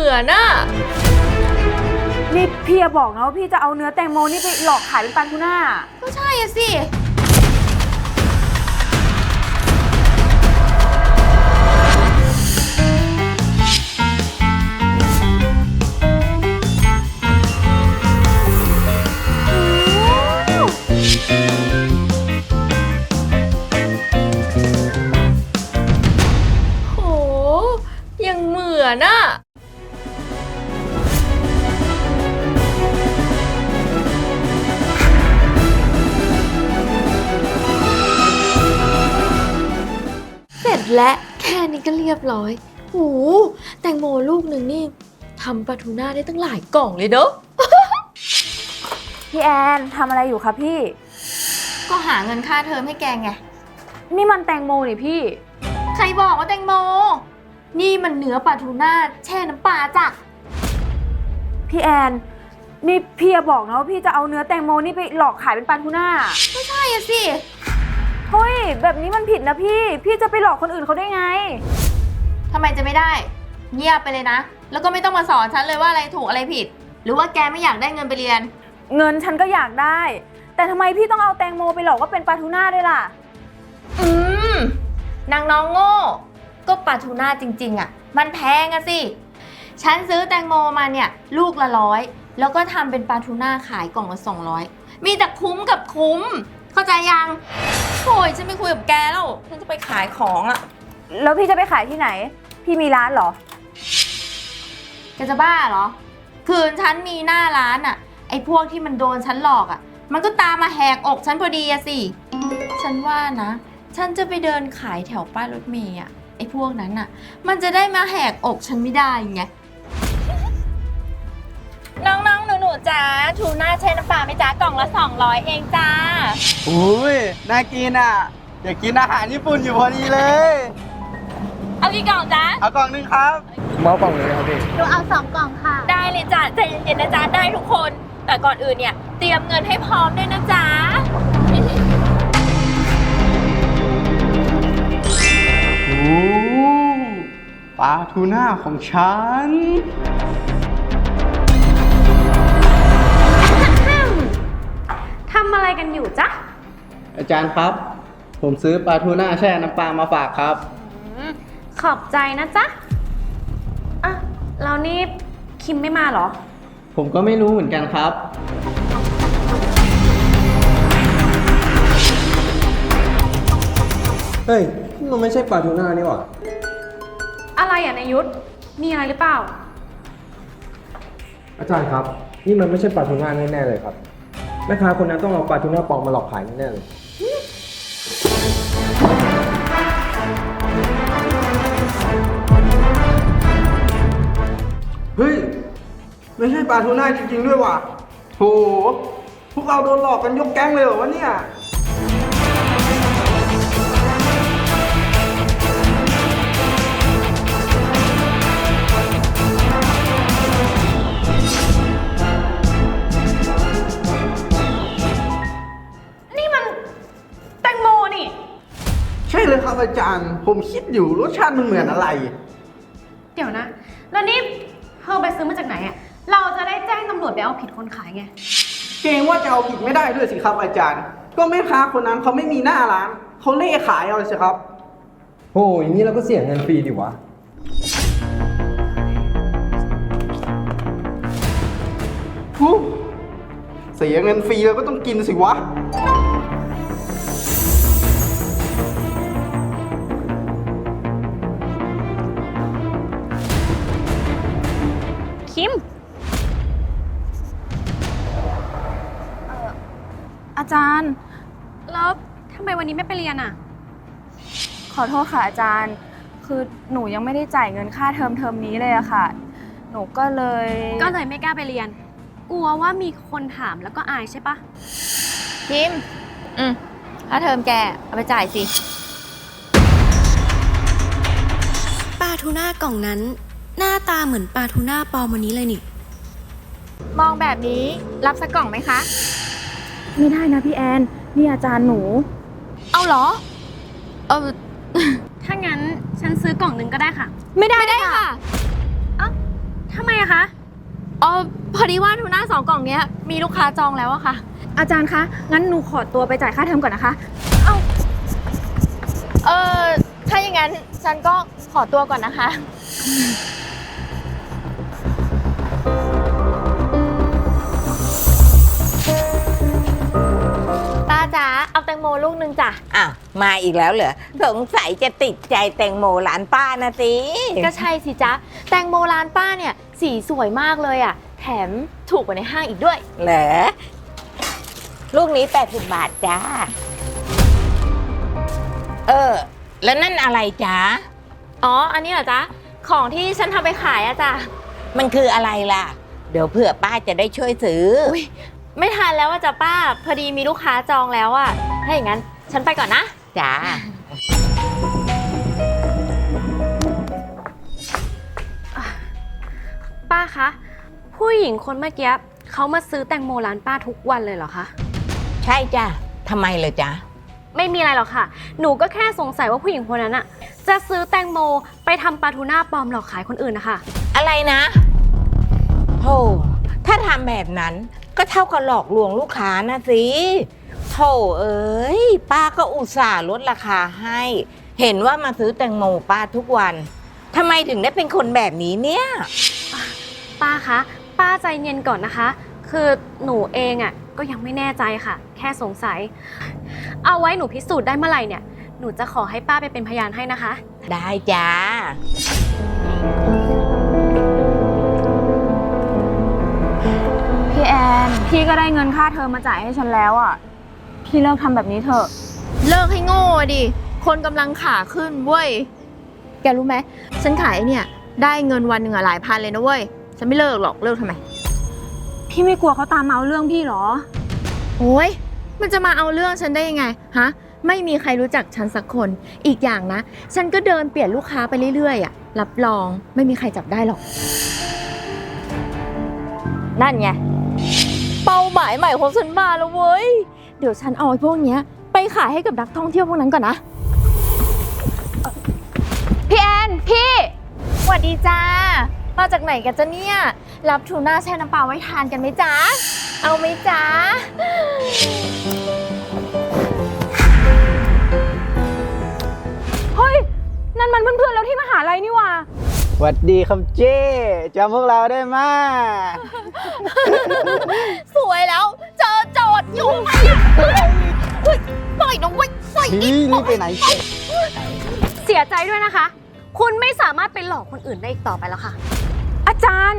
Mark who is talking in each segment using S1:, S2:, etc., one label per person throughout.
S1: อนน่ะ
S2: นี่พี่อย่าบอกนะว่าพี่จะเอาเนื้อแตงโมนี่ไปหลอกขายเป็นปลาทูน่า
S1: ก็ใช่อะสิโหยังเหมือนน่ะเสร็จและแค่นี้ก็เรียบร้อยโหแตงโมลูกหนึ่งนี่ทำปลาทูน่าได้ตั้งหลายกล่องเลยเนอะ
S2: พี่แอนทำอะไรอยู่คะพี่
S1: ก็หาเงินค่าเทอมให้แกไง
S2: นี่มันแตงโมนี่พี่
S1: ใครบอกว่าแตงโมนี่มันเนื้อปลาทูน่าแช่น้ำปลาจ้ะ
S2: พี่แอนนี่พี่อย่าบอกนะว่าพี่จะเอาเนื้อแตงโมนี่ไปหลอกขายเป็นปลาทูน่า
S1: ก็ใช่อะสิ
S2: เฮ้ยแบบนี้มันผิดนะพี่จะไปหลอกคนอื่นเขาได้ไง
S1: ทำไมจะไม่ได้เงียบไปเลยนะแล้วก็ไม่ต้องมาสอนฉันเลยว่าอะไรถูกอะไรผิดหรือว่าแกไม่อยากได้เงินไปเรียน
S2: เงินฉันก็อยากได้แต่ทำไมพี่ต้องเอาแตงโมไปหลอกว่าเป็นปลาทูน่าด้วยล่ะ
S1: นางน้องโง่ก็ปลาทูน่าจริงๆอะมันแพงอะสิฉันซื้อแตงโมมาเนี่ยลูกละ100แล้วก็ทำเป็นปลาทูน่าขายกล่องละ200มีแต่คุ้มกับคุ้มเข้าใจยังโอยฉันไม่คุยกับแกแล้วฉันจะไปขายของอะ
S2: แล้วพี่จะไปขายที่ไหนพี่มีร้านเหรอ
S1: แกจะบ้าเหรอคืนฉันมีหน้าร้านอะไอ้พวกที่มันโดนฉันหลอกอะมันก็ตามมาแหกอกฉันพอดีอะสิฉันว่านะฉันจะไปเดินขายแถวป้ายรถเมย์อะไอ้พวกนั้นอะมันจะได้มาแหกอกฉันไม่ได้ไงน้องๆหนูๆจ้าทูน่าใช้น้ำปลาไหมจ้ากล่องละ200เองจ้า
S3: อุ้ยน่ากินอ่ะอยากกินอาหารญี่ปุ่นอยู่พอดีเลย
S1: เอากี่กล่องจ้า
S3: เอากล่องนึงครับเมากล่องเลยครับพี่
S4: หนูเอา2 กล่องค่ะ
S1: ได้เลยจ้าใจเย็นๆนะจ้าได้ทุกคนแต่ก่อนอื่นเนี่ยเตรียมเงินให้พร้อมด้วยนะจ้า
S3: โอ้ปลาทูน่าของฉัน
S4: ทำอะไรกันอยู่จ๊ะ
S3: อาจารย์ครับผมซื้อปลาทูน่าแช่น้ำปลามาฝากครับ
S4: ขอบใจนะจ๊ะอ่ะแล้วนี่คิมไม่มาเหรอ
S3: ผมก็ไม่รู้เหมือนกันครับเฮ้ยมันไม่ใช่ปลาทูน่านี่หว่า
S4: อะไรอ่ะนายยุทธมีอะไรหรือเปล่า
S5: อาจารย์ครับนี่มันไม่ใช่ปลาทูน่าแน่ๆเลยครับแม่ค้าคนนั้นต้องเอาปลาทูน่าปลอมมาหลอกขายแน่ๆเลย
S3: เฮ้ยไม่ใช่ปลาทูน่าจริงๆด้วยว่ะโหพวกเราโดนหลอกกันยกแก๊งเลยเหรอวะเนี่ยใช่เลยครับอาจารย์ผมคิดอยู่รสชาติมันเหมือนอะไร
S4: เดี๋ยวนะแล้วนี่เธอไปซื้อมาจากไหนอ่ะเราจะได้แจ้งตำรวจไปเอาผิดคนขายไง
S3: เกรงว่าจะเอาผิดไม่ได้ด้วยสิครับอาจารย์ก็แม่ค้าคนนั้นเขาไม่มีหน้าร้านเขาเล่ขายเอาสิครับ
S5: โอ้ยอย่างนี้เราก็เสียเงินฟรีดิวะ
S3: เสียเงินฟรีเราก็ต้องกินสิวะ
S4: คิม
S2: อาจารย์
S4: แล้วทำไมวันนี้ไม่ไปเรียนอ่ะ
S2: ขอโทษค่ะอาจารย์คือหนูยังไม่ได้จ่ายเงินค่าเทอมนี้เลยอะค่ะหนูก็เลย
S4: ไม่กล้าไปเรียนกลัวว่ามีคนถามแล้วก็อายใช่ปะ
S1: คิมค่าเทอมแกเอาไปจ่ายสิ
S6: ปลาทูน่ากล่องนั้นหน้าตาเหมือนปลาทูน่าปลอมวันนี้เลยนี่
S1: มองแบบนี้รับสักกล่องไหมคะ
S2: ไม่ได้นะพี่แอนนี่อาจารย์หนู
S1: เอาเหรอ
S4: ถ้างั้นฉันซื้อกล่องนึงก็ได้ค่ะ
S1: ไม่ได้ค่ะ
S4: เอ้าทำไมอะคะ
S1: อ๋อพอดีว่าทูน่า2 กล่องเนี้ยมีลูกค้าจองแล้วอะค่ะ
S2: อาจารย์คะ งั้นหนูขอตัวไปจ่ายค่าเทอมก่อนนะคะ
S1: ถ้าอย่างนั้นฉันก็ขอตัวก่อนนะคะ ป้าจ๋าเอาแตงโมลูกนึงจ้ะ
S7: อ้าวมาอีกแล้วเหรอสงสัยจะติดใจแตงโมร้านป้านะสิ
S1: ก็ใช่สิจ๊ะ แตงโมร้านป้าเนี่ยสีสวยมากเลยอะแถมถูกกว่าในห้างอีกด้วย
S7: เหรอลูกนี้80 บาทจ้าแล้วนั่นอะไรจ๊ะ
S1: อ๋อ อันนี้เหรอจ๊ะ ของที่ฉันทำไปขายอะจ้ะ
S7: มันคืออะไรล่ะ เดี๋ยวเผื่อป้าจะได้ช่วยซื้อ
S1: อุ๊ย ไม่ทันแล้วอะจ้ะป้า พอดีมีลูกค้าจองแล้วอะถ้าอย่างนั้นฉันไปก่อนนะ
S7: จ้า
S4: ป้าคะ ผู้หญิงคนเมื่อกี้เขามาซื้อแตงโมร้านป้าทุกวันเลยเหรอคะ
S7: ใช่จ้ะทำไมเลยจ๊ะ
S4: ไม่มีอะไรหรอกค่ะ หนูก็แค่สงสัยว่าผู้หญิงคนนั้นอะจะซื้อแตงโมไปทำปลาทูน่าปลอมหลอกขายคนอื่นนะคะ
S7: อะไรนะโธ่ถ้าทำแบบนั้นก็เท่ากับหลอกลวงลูกค้านะสิโธ่เอ้ยป้าก็อุตส่าห์ลดราคาให้ เห็นว่ามาซื้อแตงโมป้าทุกวันทำไมถึงได้เป็นคนแบบนี้เนี่ย
S4: ป้าคะ ป้าใจเย็นก่อนนะคะ คือหนูเองอะก็ยังไม่แน่ใจค่ะ แค่สงสัย เอาไว้หนูพิสูจน์ได้เมื่อไหร่เนี่ย หนูจะขอให้ป้าไปเป็นพยานให้นะคะ
S7: ได้จ้า
S2: พี่แอน พี่ก็ได้เงินค่าเทอมมาจ่ายให้ฉันแล้วอ่ะ พี่เลิกทำแบบนี้เถอะ
S1: เลิกให้โง่ดิ คนกำลังขาขึ้นเว้ย แกรู้ไหม ฉันขายไอ้เนี่ยได้เงินวันหนึ่งอะหลายพันเลยนะเว้ย ฉันไม่เลิกหรอก เลิกทำไม
S2: พี่ไม่กลัวเขาตามมาเอาเรื่องพี่เหรอ
S1: โอ้ยมันจะมาเอาเรื่องฉันได้ยังไง ฮะ ไม่มีใครรู้จักฉันสักคน อีกอย่างนะ ฉันก็เดินเปลี่ยนลูกค้าไปเรื่อยๆอะรับรองไม่มีใครจับได้หรอก นั่นไง เป้าหมายใหม่ของฉันมาแล้วเว้ย เดี๋ยวฉันเอาไอ้พวกเนี้ยไปขายให้กับนักท่องเที่ยวพวกนั้นก่อนนะ พี่แอน พี่สวัสดีจ้า มาจากไหนกันจ๊ะเนี่ย รับทูน่าแช่น้ำปลาไว้ทานกันไหมจ๊ะ เอาไหมจ๊ะ
S2: เฮ้ย นั่นมันเพื่อนๆแล้วที่มหาลัยนี่หว่า
S3: สวัสดีครับเจ้จำพวกเราได้ไหม
S1: สวยแล้ว เจอโจทย์อยู่ไหมอะเฮ้ยปล่อยน้องไว้ปล่อยอีก
S3: นี่ไปไหน
S4: เสียใจด้วยนะคะ คุณไม่สามารถไปหลอกคนอื่นได้อีกต่อไปแล้วค่ะ
S2: อาจารย์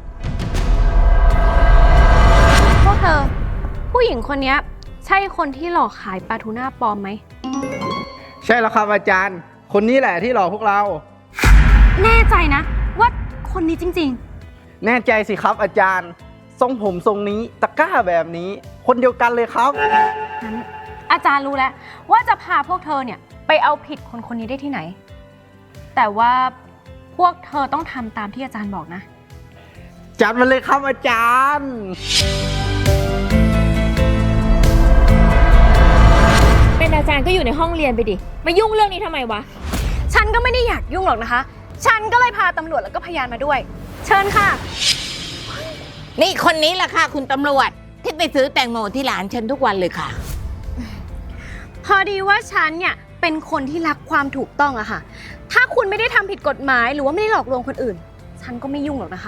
S4: พวกเธอ ผู้หญิงคนนี้ใช่คนที่หลอกขายปลาทูน่าปลอมไหม
S3: ใช่แล้วครับอาจารย์ คนนี้แหละที่หลอกพวกเรา
S4: แน่ใจนะ ว่าคนนี้จริง
S3: แน่ใจสิครับอาจารย์ ทรงผมทรงนี้ตะกร้าแบบนี้ คนเดียวกันเลยครับ
S4: ๆ งั้นอาจารย์รู้แล้วว่าจะพาพวกเธอเนี่ยไปเอาผิดคนคนนี้ได้ที่ไหน แต่ว่าพวกเธอต้องทำตามที่อาจารย์บอกนะ
S3: จัดมาเลยครับอาจารย์
S1: เป็นอาจารย์ก็อยู่ในห้องเรียนไปดิ มายุ่งเรื่องนี้ทำไมวะ
S4: ฉันก็ไม่ได้อยากยุ่งหรอกนะคะ ฉันก็เลยพาตำรวจแล้วก็พยานมาด้วย เชิญค่ะ
S7: นี่คนนี้ล่ะค่ะคุณตำรวจที่ไปซื้อแตงโมที่ร้านฉันทุกวันเลยค่ะ
S4: พอดีว่าฉันเนี่ยเป็นคนที่รักความถูกต้องอะค่ะ ถ้าคุณไม่ได้ทำผิดกฎหมายหรือว่าไม่ได้หลอกลวงคนอื่น ฉันก็ไม่ยุ่งหรอกนะคะ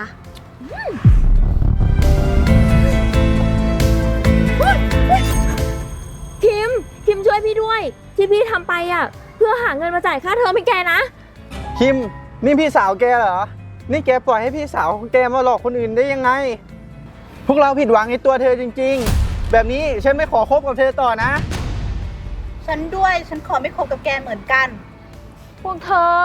S1: คิมช่วยพี่ด้วย ที่พี่ทำไปอ่ะ เพื่อหาเงินมาจ่ายค่าเทอมให้แกนะ
S3: คิม นี่พี่สาวแกเหรอ นี่แกปล่อยให้พี่สาวของแกมาหลอกคนอื่นได้ยังไง พวกเราผิดหวังในตัวเธอจริงๆ แบบนี้ฉันไม่ขอคบกับเธอต่อนะ
S8: ฉันด้วย ฉันขอไม่คบกับแกเหมือนกัน
S1: พวกเธอ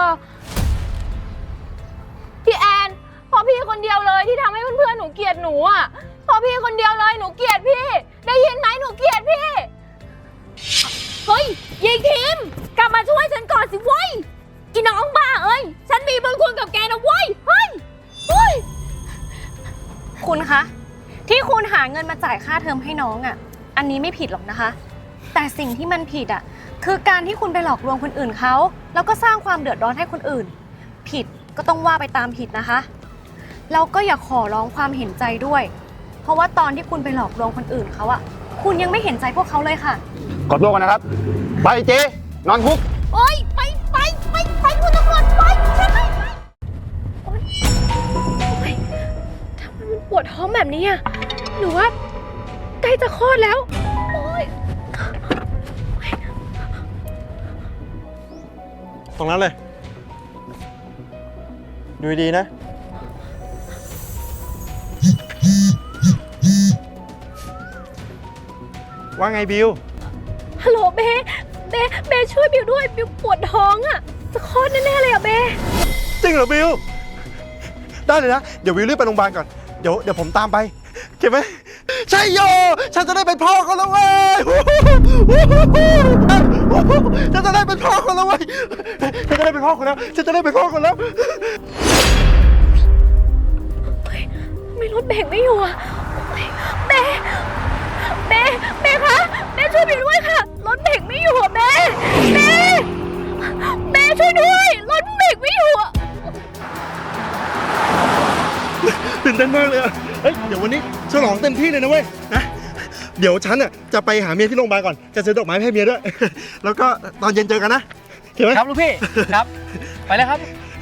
S1: พี่แอนพอพี่คนเดียวเลยที่ทำให้เพื่อนๆหนูเกลียดหนูอ่ะพอพี่คนเดียวเลยหนูเกลียดพี่ ได้ยินไหมหนูเกลียดพี่ เฮ้ยยิงคิมกลับมาช่วยฉันก่อนสิเว้ยอีน้องบ้าเอ้ยฉันมีบุญคุณกับแกนะเว้ยเฮ้ยเฮ้ย
S4: คุณคะ ที่คุณหาเงินมาจ่ายค่าเทอมให้น้องอะอันนี้ไม่ผิดหรอกนะคะ แต่สิ่งที่มันผิดอะคือการที่คุณไปหลอกลวงคนอื่นเขาแล้วก็สร้างความเดือดร้อนให้คนอื่น ผิดก็ต้องว่าไปตามผิดนะคะแล้วก็อย่าขอร้องความเห็นใจด้วย เพราะว่าตอนที่คุณไปหลอกลวงคนอื่นเขาอะคุณยังไม่เห็นใจพวกเขาเลยค่ะ
S9: ขอตัวก่อนนะครับ ไปเจ๊นอนคุก
S1: โอ๊ยไปคุณตำรวจไปฉันไม่ไป
S4: โอ๊ยทำไมมันปวดท้องแบบนี้อะหรือว่าใกล้จะคลอดแล้ว โอ๊ย
S10: ตรงนั้นเลย ดูดีๆนะ ว่าไงบิว
S4: ฮัลโหลเบช่วยบิวด้วย บิวปวดท้องอะจะคลอดแน่ๆเลยอะเบ
S10: จริงเหรอบิว ได้เลยนะ เดี๋ยวบิวรีบไปโรงพยาบาลก่อน เดี๋ยวผมตามไปโอเคไหมใช่โย ฉันจะได้เป็นพ่อเขาแล้วเว้ยฉันจะได้เป็นพ่อเขาแล้วเว้ยฉันจะได้เป็นพ่อเขาแล้ว ฉันจะได้เป็นพ่อเขาแล้ว
S4: ไม่รถเบรกไม่อยู่อะเบคะเบช่วยบิวด้วยค่ะ รถเบรกไม่อยู่อะเบช่วยด้วย รถเบรกไม่อยู่อะ
S10: ตื่นเต้นมากเลยอะเฮ้ย เดี๋ยววันนี้ฉลองเต็มที่เลยนะเว้ย นะ เดี๋ยวฉันน่ะจะไปหาเมียที่โรงพยาบาลก่อน จะซื้อดอกไม้ให้เมียด้วย แล้วก็ตอนเย็นเจอกันนะเห็นไหม
S3: ครับลูกพี่ ครับ ไปแล้วครับ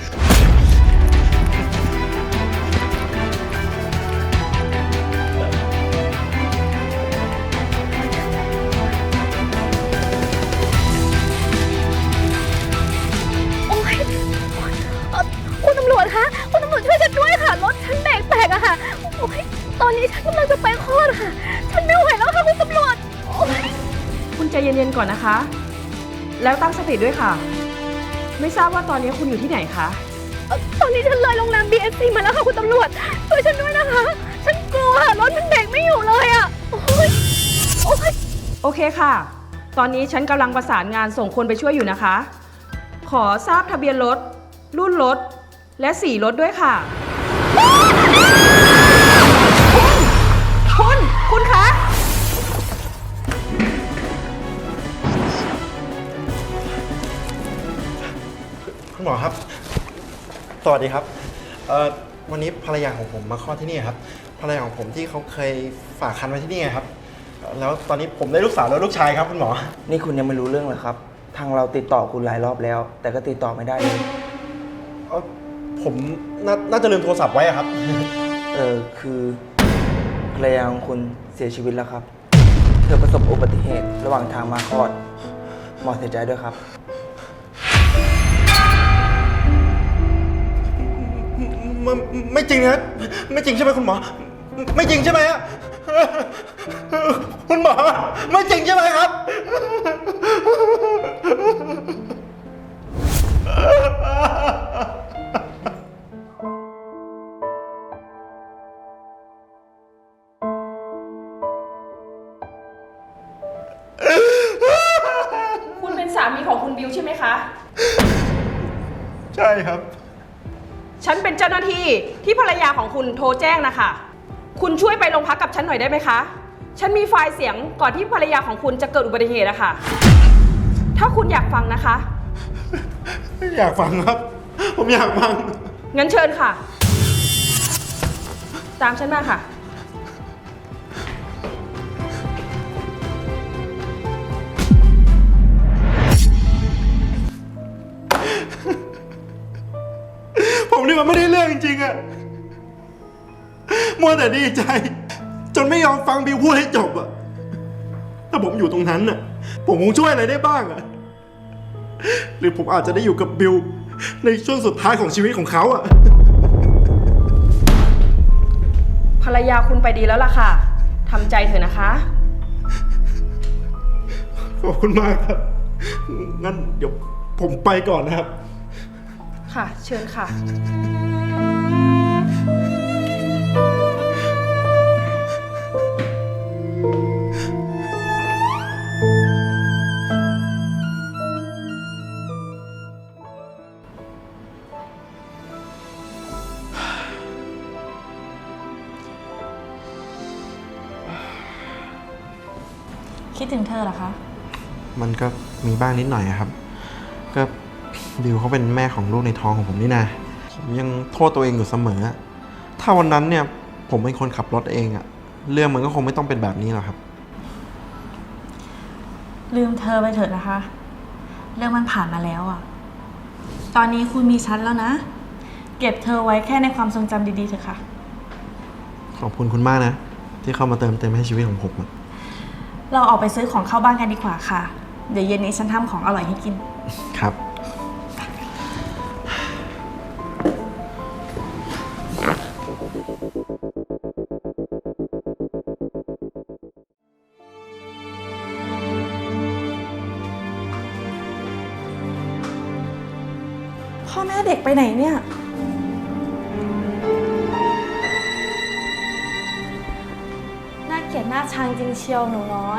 S4: โอ๊ยคุณตำรวจคะคุณตำรวจช่วยฉันด้วยค่ะ รถฉันเบรกแตกอะค่ะ โอ๊ยตอนนี้ฉันกำลังจะไปคลอดค่ะ ฉันไม่ไหวแล้วค่ะคุณตำรวจ โอ๊ย
S11: คุณใจเย็นๆก่อนนะคะ แล้วตั้งสติด้วยค่ะ ไม่ทราบว่าตอนนี้คุณอยู่ที่ไหนคะ
S4: ตอนนี้ฉันเลยโรงแรม BSC มาแล้วค่ะคุณตำรวจ ช่วยฉันด้วยนะคะ ฉันกลัวรถมันเบรกไม่อยู่เลยอะโอ๊ย
S11: โอเคค่ะ ตอนนี้ฉันกำลังประสานงานส่งคนไปช่วยอยู่นะคะ ขอทราบทะเบียนรถ รุ่นรถ และสีรถด้วยค่ะ คุณคะ
S10: คุณหมอครับ สวัสดีครับ วันนี้ภรรยาของผมมาคลอดที่นี่ครับ ภรรยาของผมที่เขาเคยฝากคันไว้ที่นี่ไงครับ แล้วตอนนี้ผมได้ลูกสาวแล้วลูกชายครับคุณหมอ
S3: นี่คุณยังไม่รู้เรื่องเหรอครับ ทางเราติดต่อคุณหลายรอบแล้ว แต่ก็ติดต่อไม่ได้เลย
S10: ผมน่าจะลืมโทรศัพท์ไว้อะครับ
S3: คือภรรยาของคุณเสียชีวิตแล้วครับ เธอประสบอุบัติเหตุระหว่างทางมาคลอด หมอเสียใจด้วยครับ
S10: ไม่จริงนะไม่จริงใช่ไหมคุณหมอ ไม่จริงใช่ไหมฮะคุณหมอ ไม่จริงใช่ไหมครับ
S11: คุณเป็นสามีของคุณบิวใช่ไหมคะ
S10: ใช่ครับ
S11: ฉันเป็นเจ้าหน้าที่ที่ภรรยาของคุณโทรแจ้งนะคะ คุณช่วยไปโรงพักกับฉันหน่อยได้ไหมคะ ฉันมีไฟล์เสียงก่อนที่ภรรยาของคุณจะเกิดอุบัติเหตุอะค่ะ ถ้าคุณอยากฟังนะคะ
S10: อยากฟังครับ ผมอยากฟัง
S11: งั้นเชิญค่ะ ตามฉันมาค่ะ
S10: ผมนี่มันไม่ได้เรื่องจริงๆอะมัวแต่ดีใจ จนไม่ยอมฟังบิวพูดให้จบอะถ้าผมอยู่ตรงนั้นน่ะ ผมคงช่วยอะไรได้บ้างอะหรือผมอาจจะได้อยู่กับบิวในช่วงสุดท้ายของชีวิตของเขาอะ
S11: ภรรยาคุณไปดีแล้วล่ะค่ะทำใจเถอะนะคะ
S10: ขอบคุณมากครับ งั้นเดี๋ยวผมไปก่อนนะครับ
S11: ค่ะ เชิญค่ะ
S2: คิดถึงเธอเหรอคะ
S10: มันก็มีบ้างนิดหน่อยอะครับ ก็บิวเขาเป็นแม่ของลูกในท้องของผมนี่นะผมยังโทษตัวเองอยู่เสมอถ้าวันนั้นเนี่ยผมเป็นคนขับรถเองอะเรื่องมันก็คงไม่ต้องเป็นแบบนี้หรอกครับ
S2: ลืมเธอไปเถอะนะคะ เรื่องมันผ่านมาแล้วอะตอนนี้คุณมีฉันแล้วนะ เก็บเธอไว้แค่ในความทรงจำดีๆเถอะค่ะ
S10: ขอบคุณคุณมากนะ ที่เข้ามาเติมเต็มให้ชีวิตของผมอะ
S2: เราออกไปซื้อของเข้าบ้านกันดีกว่าค่ะ เดี๋ยวเย็นนี้ฉันทำของอร่อยให้กิน
S10: ครับ
S2: พ่อแม่เด็กไปไหนเนี่ย น่าเกลียดน่าชังจริงเชียวหนูน้อย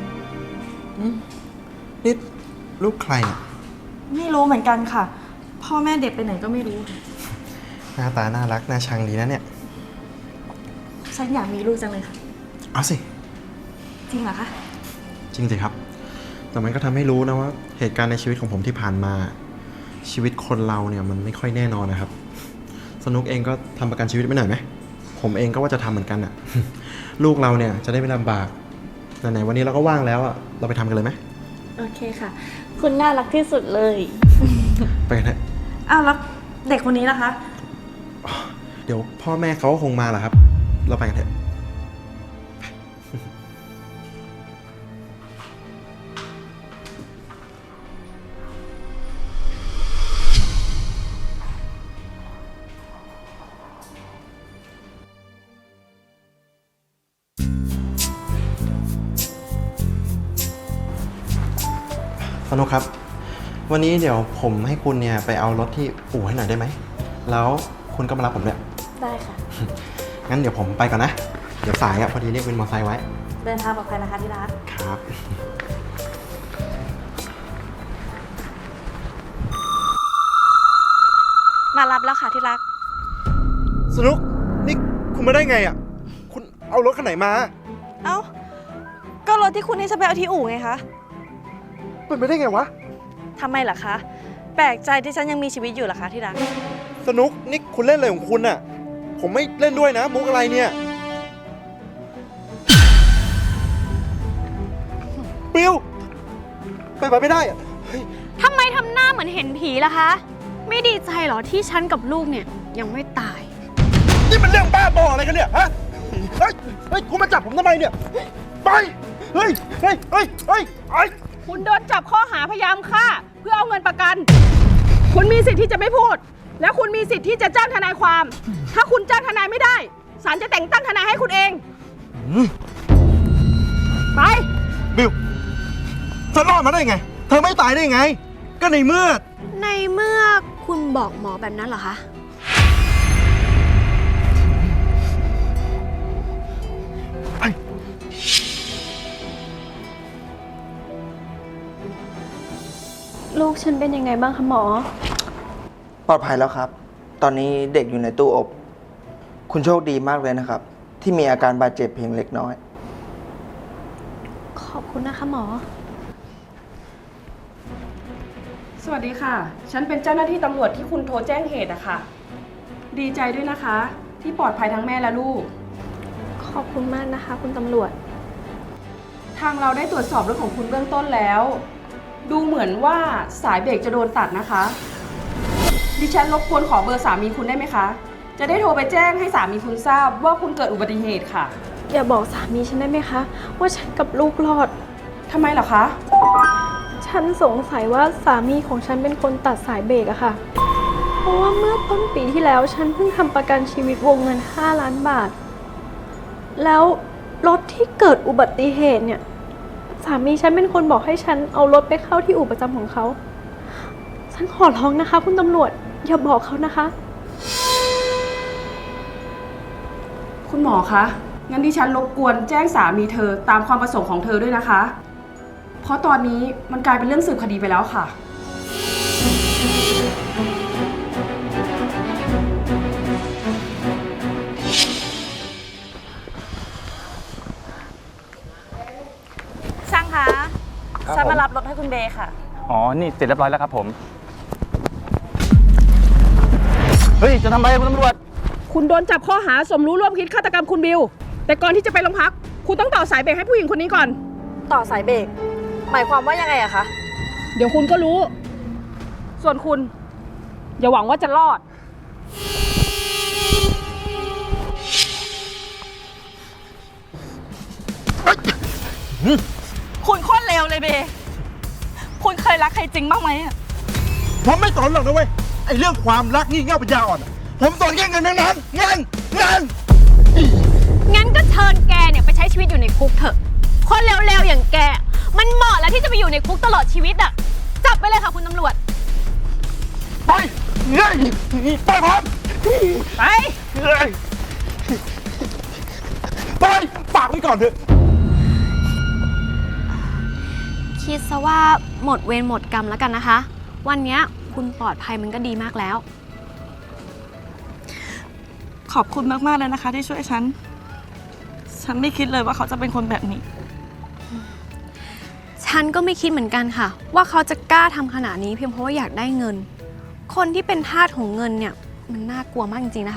S10: นี่ลูกใครอะ
S2: ไม่รู้เหมือนกันค่ะ พ่อแม่เด็กไปไหนก็ไม่รู้
S10: หน้าตาน่ารักน่าชังดีนะเนี่ย
S2: ฉันอยากมีลูกจังเลยค่ะ
S10: เอาสิ
S2: จริงเหรอคะ
S10: จริงสิครับ แต่มันก็ทำให้รู้นะว่าเหตุการณ์ในชีวิตของผมที่ผ่านมา ชีวิตคนเราเนี่ยมันไม่ค่อยแน่นอนนะครับ สนุกเองก็ทำประกันชีวิตไม่หน่อยไหม ผมเองก็ว่าจะทำเหมือนกันอะ ลูกเราเนี่ยจะได้ไม่ลำบากไหนๆวันนี้เราก็ว่างแล้วอะเราไปทำกันเลยไหม
S2: โอเคค่ะ คุณน่ารักที่สุดเลย
S10: ไปกันเถอะ
S2: อ้าวแล้วเด็กคนนี้ล่ะคะ
S10: เดี๋ยวพ่อแม่เขาก็คงมาแหละครับ เราไปกันเถอะ สนุกครับ วันนี้เดี๋ยวผมให้คุณเนี่ยไปเอารถที่อู่ให้หน่อยได้ไหม แล้วคุณก็มารับผมด้วย
S2: ได้ค่ะ
S10: งั้นเดี๋ยวผมไปก่อนนะ เดี๋ยวสายอะพอดีเรียกวินมอเตอร์ไซค์ไว้
S2: เดินทางปลอดภัยนะคะที่รัก
S10: ครับ
S2: มารับแล้วค่ะที่รัก
S10: สนุก นี่คุณมาได้ไงอะคุณเอารถคันไหนมา
S2: เอ้า ก็รถที่คุณให้ฉันไปเอาที่อู่ไงคะ
S10: เป็นไปได้ไงวะ
S2: ทำไมล่ะคะ แปลกใจที่ฉันยังมีชีวิตอยู่เหรอคะที่รัก
S10: สนุก นี่คุณเล่นอะไรของคุณอะผมไม่เล่นด้วยนะ มุกอะไรเนี่ยปิวไปไม่ได้อะเฮ้ย
S4: ทำไมทำหน้าเหมือนเห็นผีล่ะคะ ไม่ดีใจเหรอที่ฉันกับลูกเนี่ยยังไม่ตาย
S10: นี่มันเรื่องบ้าบออะไรกันเนี่ยฮะ เฮ้ย เฮ้ย คุณมาจับผมทำไมเนี่ย ไป เฮ้ย เฮ้ย เฮ้ย เฮ้ยไอ้
S11: คุณโดนจับข้อหาพยายามฆ่าเพื่อเอาเงินประกัน คุณมีสิทธิ์ที่จะไม่พูด และคุณมีสิทธิ์ที่จะจ้างทนายความ ถ้าคุณจ้างทนายไม่ได้ศาลจะแต่งตั้งทนายให้คุณเอง ไป
S10: บิวเธอรอดมาได้ไง เธอไม่ตายได้ไง ก็ในเมื่อ
S4: ในเมื่อคุณบอกหมอแบบนั้นเหรอคะ
S10: ไป
S4: ลูกฉันเป็นยังไงบ้างคะหมอ
S12: ปลอดภัยแล้วครับ ตอนนี้เด็กอยู่ในตู้อบ คุณโชคดีมากเลยนะครับ ที่มีอาการบาดเจ็บเพียงเล็กน้อย
S4: ขอบคุณนะคะหมอ
S11: สวัสดีค่ะ ฉันเป็นเจ้าหน้าที่ตำรวจที่คุณโทรแจ้งเหตุอะค่ะ ดีใจด้วยนะคะ ที่ปลอดภัยทั้งแม่และลูก
S4: ขอบคุณมากนะคะ คุณตำรวจ
S11: ทางเราได้ตรวจสอบรถของคุณเบื้องต้นแล้ว ดูเหมือนว่าสายเบรกจะโดนตัดนะคะ ดิฉันรบกวนขอเบอร์สามีคุณได้ไหมคะ จะได้โทรไปแจ้งให้สามีคุณทราบว่าคุณเกิดอุบัติเหตุค่ะ
S4: อย่าบอกสามีฉันได้ไหมคะ ว่าฉันกับลูกรอด
S11: ทำไมเหรอคะ
S4: ฉันสงสัยว่าสามีของฉันเป็นคนตัดสายเบรกอะค่ะ เพราะว่าเมื่อต้นปีที่แล้วฉันเพิ่งทำประกันชีวิตวงเงิน5 ล้านบาท แล้วรถที่เกิดอุบัติเหตุเนี่ย สามีฉันเป็นคนบอกให้ฉันเอารถไปเข้าที่อู่ประจำของเขา ฉันขอร้องนะคะ คุณตำรวจอย่าบอกเขานะคะ
S11: คุณหมอคะ งั้นดิฉันรบกวนแจ้งสามีเธอตามความประสงค์ของเธอด้วยนะคะ เพราะตอนนี้มันกลายเป็นเรื่องสืบคดีไปแล้วค่ะ
S2: ช่างคะ ฉันมารับรถให้คุณเบย์ค่ะ
S3: อ๋อ นี่เสร็จเรียบร้อยแล้วครับผม เฮ้ย จะทำอะไรคุณตำรวจ ค
S11: คุณโดนจับข้อหาสมรู้ร่วมคิดฆาตกรรมคุณบิว แต่ก่อนที่จะไปโรงพัก คุณต้องต่อสายเบรกให้ผู้หญิงคนนี้ก่อน
S2: ต่อสายเบรกหมายความว่ายังไงอะคะ
S11: เดี๋ยวคุณก็รู้ ส่วนคุณ อย่าหวังว่าจะรอด
S2: คุณโคตรเลวเลยเบคุณเคยรักใครจริงบ้างไหมอะ
S10: ผมไม่สนหรอกนะเว้ย ไอ้เรื่องความรักงี่เง่าปัญญาอ่อนอะผมสนแค่เงินทั้งนั้นเงิน
S4: งั้นก็เชิญแกเนี่ยไปใช้ชีวิตอยู่ในคุกเถอะ คนเร็วๆอย่างแก มันเหมาะแล้วที่จะไปอยู่ในคุกตลอดชีวิตอะจับไปเลยค่ะคุณตำรวจ
S10: ไปเฮ้ยไปผม
S11: ไป
S10: เฮ้ยไปฝากไว้ก่อนเถอะ
S4: คิดซะว่าหมดเวรหมดกรรมแล้วกันนะคะ วันเนี้ยคุณปลอดภัยมันก็ดีมากแล้ว
S2: ขอบคุณมากๆเลยนะคะ ที่ช่วยฉัน ฉันไม่คิดเลยว่าเขาจะเป็นคนแบบนี้
S4: ฉันก็ไม่คิดเหมือนกันค่ะ ว่าเขาจะกล้าทำขนาดนี้เพียงเพราะว่าอยากได้เงิน คนที่เป็นทาสของเงินเนี่ยมันน่ากลัวมากจริงๆนะคะ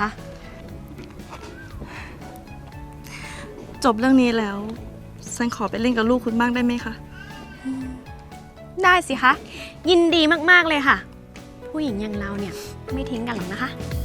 S2: จบเรื่องนี้แล้ว ฉันขอไปเล่นกับลูกคุณบ้างได้ไหมคะ
S4: ได้สิคะ ยินดีมากๆเลยค่ะ ผู้หญิงอย่างเราเนี่ยไม่ทิ้งกันหรอกนะคะ